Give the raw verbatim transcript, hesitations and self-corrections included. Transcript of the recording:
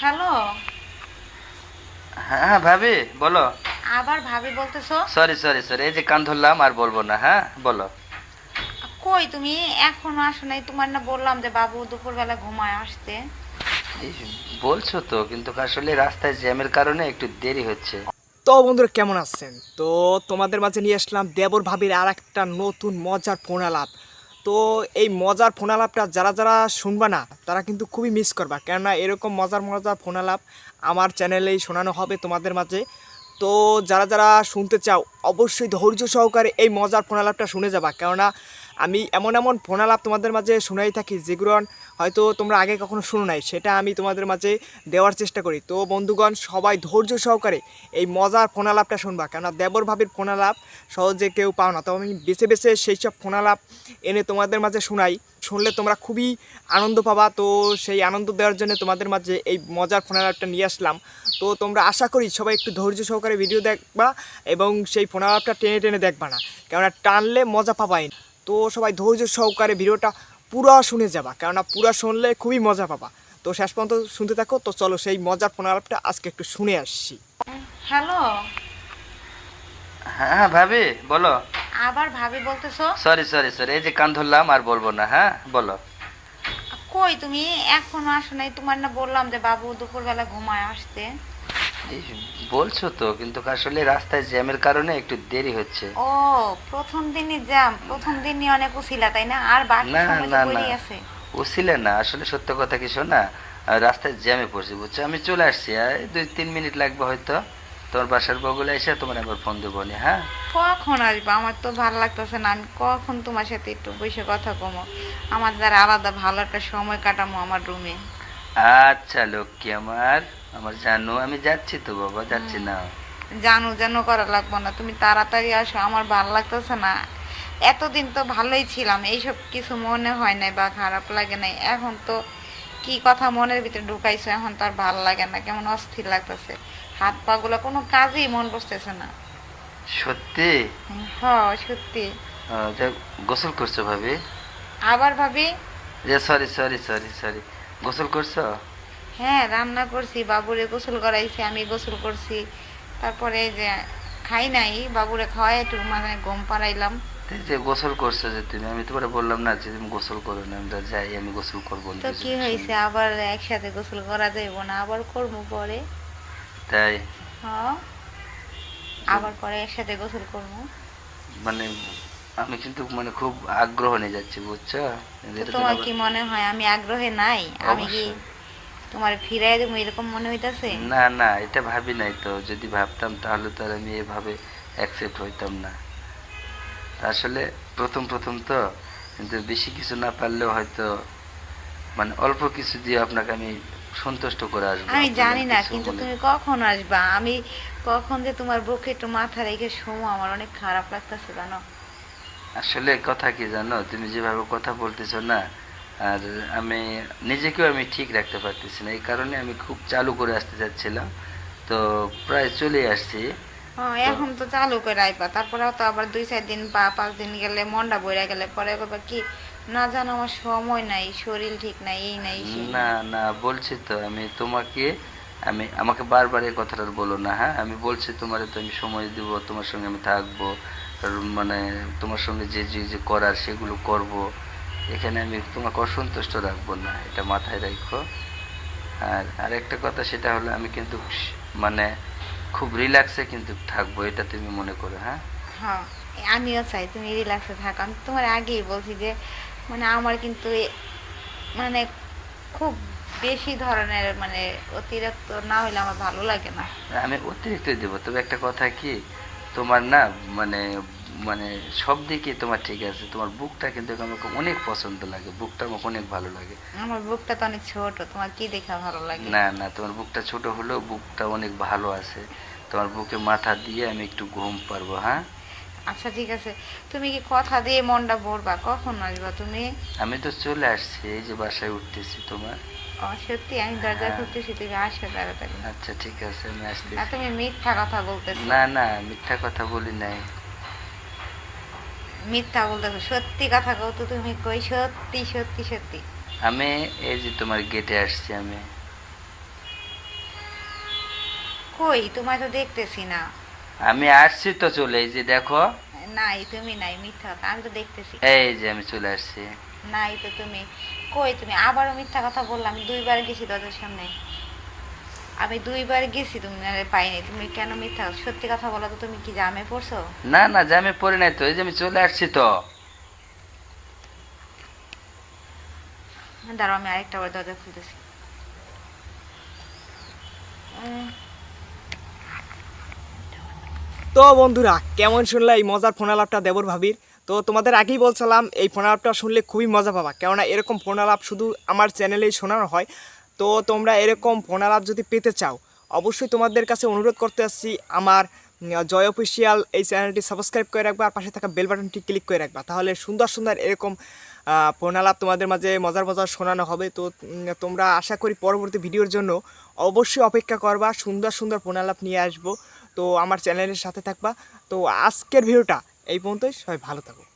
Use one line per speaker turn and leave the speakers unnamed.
Hello.
হ্যাঁ ভাবি বলো।
আবার ভাবি বলতেছো?
সরি সরি সরি এই যে কান ধরলাম, আর বলবো না। হ্যাঁ বলো।
কই তুমি? এখনো আসো নাই। তোমার না বললাম যে বাবু দুপুরবেলা ঘুমায় আসতে।
এই বলছো তো, কিন্তু আসলে রাস্তায় জ্যামের কারণে একটু দেরি হচ্ছে।
তো বন্ধুরা কেমন আছেন? তো তোমাদের মাঝে নিয়ে আসলাম দেবর ভাবির আর একটা নতুন মজার ফোন আলাপ। তো এই মজার ফোন আলাপটা যারা যারা শুনবা না তারা কিন্তু খুবই মিস করবা, কেননা এরকম মজার মজার ফোন আলাপ আমার চ্যানেলেই শোনানো হবে তোমাদের মাঝে। তো যারা যারা শুনতে চাও অবশ্যই ধৈর্য সহকারে এই মজার ফোন আলাপটা শুনে যাবা, কেননা আমি এমন এমন ফোন আলাপ তোমাদের মাঝে শোনাই থাকি যেগুলো হয়তো তোমরা আগে কখনো শুনো নাই, সেটা আমি তোমাদের মাঝে দেওয়ার চেষ্টা করি। তো বন্ধুগণ সবাই ধৈর্য সহকারে এই মজার ফোন আলাপটা শুনবা, কেননা দেবর ভাবির ফোন আলাপ সহজে কেউ পাও না। তো আমি বেছে বেছে সেই সব ফোন আলাপ এনে তোমাদের মাঝে শোনাই, শুনলে তোমরা খুবই আনন্দ পাবা। তো সেই আনন্দ দেওয়ার জন্য তোমাদের মাঝে এই মজার ফোন আলাপটা নিয়ে আসলাম। তো তোমরা আশা করি সবাই একটু ধৈর্য সহকারে ভিডিও দেখবা এবং সেই ফোন আলাপটা টেনে টেনে দেখবা না, কেননা টানলে মজা পাবাই। তো সবাই ধৈর্য সহকারে ভিডিওটা পুরো শুনে যাবা, কেননা পুরো শুনলে খুবই মজা পাবা। তো শেষ পর্যন্ত শুনতে থাকো। তো চলো সেই মজার ফোন আলাপটা আজকে একটু শুনে আসছি।
হ্যালো।
হ্যাঁ ভাবি বলো।
আবার ভাবি বলতেছো?
সরি সরি সরি এই যে কান ধরলাম, আর বলবো না। হ্যাঁ বলো।
কই তুমি? এখনো আসো নাই। তোমার না বললাম যে বাবু দুপুরবেলা ঘুমায় আসতে।
এই বলছো তো, কিন্তু আসলে রাস্তায় জ্যামের কারণে একটু দেরি হচ্ছে।
ও, প্রথম দিনই জ্যাম? প্রথম দিনই অনেক উছিলা তাই না? আর বাকি
না
সময় তো
না না,
পড়েই আছে।
ওসিলে না, আসলে সত্য কথা কি শোনা, আহ, রাস্তায় জ্যামে পড়ছি বুঝছো। আমি চলে আসছি, আর এই দুই তিন মিনিট লাগবে হয়তো। তোমার বাসার বগলে এসে তোমার একবার ফোন দেবো নি। হ্যাঁ
কখন আসবো? আমার তো ভালো লাগতেছে না। আমি কখন তোমার সাথে একটু বসে কথা কমো, আমার দ্বারা আলাদা ভালো একটা সময় কাটামো আমার রুমে।
আচ্ছা লক্ষ্মী আমার, আমার জানো আমি যাচ্ছি তো বাবা, যাচ্ছি না।
জানো জানো করা লাগবো না, তুমি তাড়াতাড়ি আসো, আমার ভালো লাগতেছে না। এতদিন তো ভালোই ছিলাম, এইসব কিছু মনে হয় নাই বা খারাপ লাগে নাই। এখন তো কি কথা মনের ভিতরে ঢুকাইছো, এখন তো আর ভালো লাগে না, কেমন অস্থির লাগতেছে। হাত পা গুলো কোনো কাজেই মন বসতেছে না।
সত্যি?
হ, সত্যি।
আহ, তা গোসল করছো ভাবি?
আবার ভাবি?
যে সরি সরি সরি সরি, গোসল করছো?
হ্যাঁ, রান্না করছি, বাবুরে গোসল করাইছি, আমি গোসল করছি। তারপরে এই যে খাই নাই, বাবুরে খাওয়াই একটু মানে ঘুম পাড়াইলাম।
এই যে গোসল করছো যে তুমি, আমি তোমার বললাম না যে তুমি গোসল করো না, আমরা যাই, আমি গোসল করবো না
তো
কিছু
কি
কিছু
হয়েছে,
না।
আবার একসাথে গোসল করা যাইব না? আবার করবো পরে।
তাই?
হ্যাঁ,
যে
আবার পরে একসাথে গোসল করবো।
মানে আমি কিন্তু মানে খুব আগ্রহ নিয়ে যাচ্ছি বুঝছো।
তো
এটা তুমি
তোমার
আবার
কি মনে হয় আমি আগ্রহে নাই? আমি কি
অবশ্যই।
তোমার ফিরাই দেবো এরকম মনে হইতাছে?
না না, এটা ভাবি নাই তো, যদি ভাবতাম তাহলে তো আর আমি এভাবে অ্যাকসেপ্ট হইতাম না। আসলে প্রথম প্রথম তো, কিন্তু বেশি কিছু না পারলেও হয়তো মানে অল্প কিছু দিয়ে আপনাকে আমি সন্তুষ্ট করে আসবো,
আমি
আপনি যেন
জানি না,
কিছু
কিন্তু
মনে।
তুমি কখন আসবা? আমি কখন যে তোমার বুকে একটু মাথা রেখে শোমো, আমার অনেক খারাপ লাগতেছে জানো।
আসলে কথা কি জানো, তুমি যেভাবে কথা বলতেছো না, আর আমি নিজেকেও আমি ঠিক রাখতে পারতেছি না, এই কারণে আমি খুব চালু করে আসতে চাচ্ছিলাম। তো প্রায় চলে আসছি।
হ্যাঁ,
তো
এখন তো চালু করে আইবা, তারপরে তো আবার দুই চার দিন বা পাঁচ দিন গেলে মনটা বইরা গেলে পরে করবা কি, না জানো আমার সময় নাই, শরীর ঠিক নাই, এই নাই সেই
না
নাই।
না, বলছি তো আমি তোমাকে, আমি আমাকে বারবার এই কথাটা বলো না। হ্যাঁ আমি বলছি তোমার, তো আমি সময় দিব, তোমার সঙ্গে আমি থাকবো, আর মানে তোমার সঙ্গে যে যে যে করার সেগুলো করব। এখানে আমি তোমাকে অসন্তুষ্ট রাখবো না, এটা মাথায় রাখো। আর আরেকটা কথা সেটা হলো, আমি কিন্তু স- মানে খুব রিল্যাক্সে কিন্তু থাকবো, এটা তুমি মনে করো। হ্যাঁ
হ্যাঁ, আমিও চাই তুমি রিল্যাক্সে থাকো। আমি তোমার আগেই বলছি যে মানে আমার কিন্তু এ- মানে খুব বেশি ধরনের মানে অতিরিক্ত না হইলে আমার ভালো লাগে না।
আমি অতিরিক্ত দেবো, তবে একটা কথা কি, তোমার না মানে মানে সব দিকে তোমার ঠিক আছে, তোমার বুকটা কিন্তু আমাকে অনেক পছন্দ লাগে, বুকটা আমাকে অনেক ভালো লাগে।
আমার বুকটা তো অনেক ছোট, তোমার কি দেখা ভালো লাগে?
না না, তোমার বুকটা ছোট হলেও বুকটা অনেক ভালো আছে, তোমার বুকে মাথা দিয়ে আমি একটু ঘুম পারবো। হ্যাঁ
আচ্ছা ঠিক আছে, তুমি কি কথা দিয়ে মনটা ভরবা? কখন আসবা তুমি?
আমি তো চলে আসছি, এই যে বাসায় উঠতেছি তোমার।
ও সত্যি? আমি দরজা
হ্যাঁ
খুলতেছি, তুমি আসো তাড়াতাড়ি।
আচ্ছা ঠিক আছে, আমি
না,
আসতেছি।
তুমি মিথ্যা কথা বলতেছো।
না না, মিথ্যা কথা বলি নাই।
মিথ্যা বলতেছো, সত্যি কথা কও তো তুমি, কই সত্যি সত্যি সত্যি।
আমি এই যে তোমার গেটে আসছি আমি।
কই তোমায় তো দেখতেছি না।
আমি আসছি তো চলে, এই যে দেখো।
নাই তুমি নাই, মিথ্যা কথা, আমি তো দেখতেছি।
এই যে আমি চলে আসছি।
নাই তো তুমি, কই তুমি আবারও মিথ্যা কথা বললাম। আমি দুইবার গেছি দরজার সামনে, আমি দুইবার গেছি, তুমি আরে পাইনি। তুমি কেন মিথ্যা, সত্যি কথা বলো তো, তুমি কি জামে পড়ছো?
না না, যে আমি পড়ি নাই তো, এই যে আমি চলে আসছি তো।
দাঁড়াও, আমি আরেকটা বার দরজা খুলতেছি। উম,
তো বন্ধুরা, কেমন শুনলে এই মজার ফোন আলাপটা দেবর ভাবির? তো তোমাদের আগেই বলছিলাম এই ফোন আলাপটা শুনলে খুবই মজা পাবা, কেননা এরকম ফোন আলাপ শুধু আমার চ্যানেলেই শোনানো হয়। তো তোমরা এরকম ফোন আলাপ যদি পেতে চাও, অবশ্যই তোমাদের কাছে অনুরোধ করতে আসছি, আমার উম, জয় অফিসিয়াল এই চ্যানেলটি সাবস্ক্রাইব করে রাখবা, আর পাশে থাকা বেল বাটনটি ক্লিক করে রাখবা। তাহলে সুন্দর সুন্দর এরকম আহ, ফোন আলাপ তোমাদের মাঝে মজার মজার শোনানো হবে। তো উম, তোমরা আশা করি পরবর্তী ভিডিওর জন্য অবশ্যই অপেক্ষা করবা, সুন্দর সুন্দর ফোন আলাপ নিয়ে আসবো। তো আমার চ্যানেলের সাথে থাকবা। তো আজকের ভিডিওটা এই পর্যন্তই, সবাই ভালো থাকো।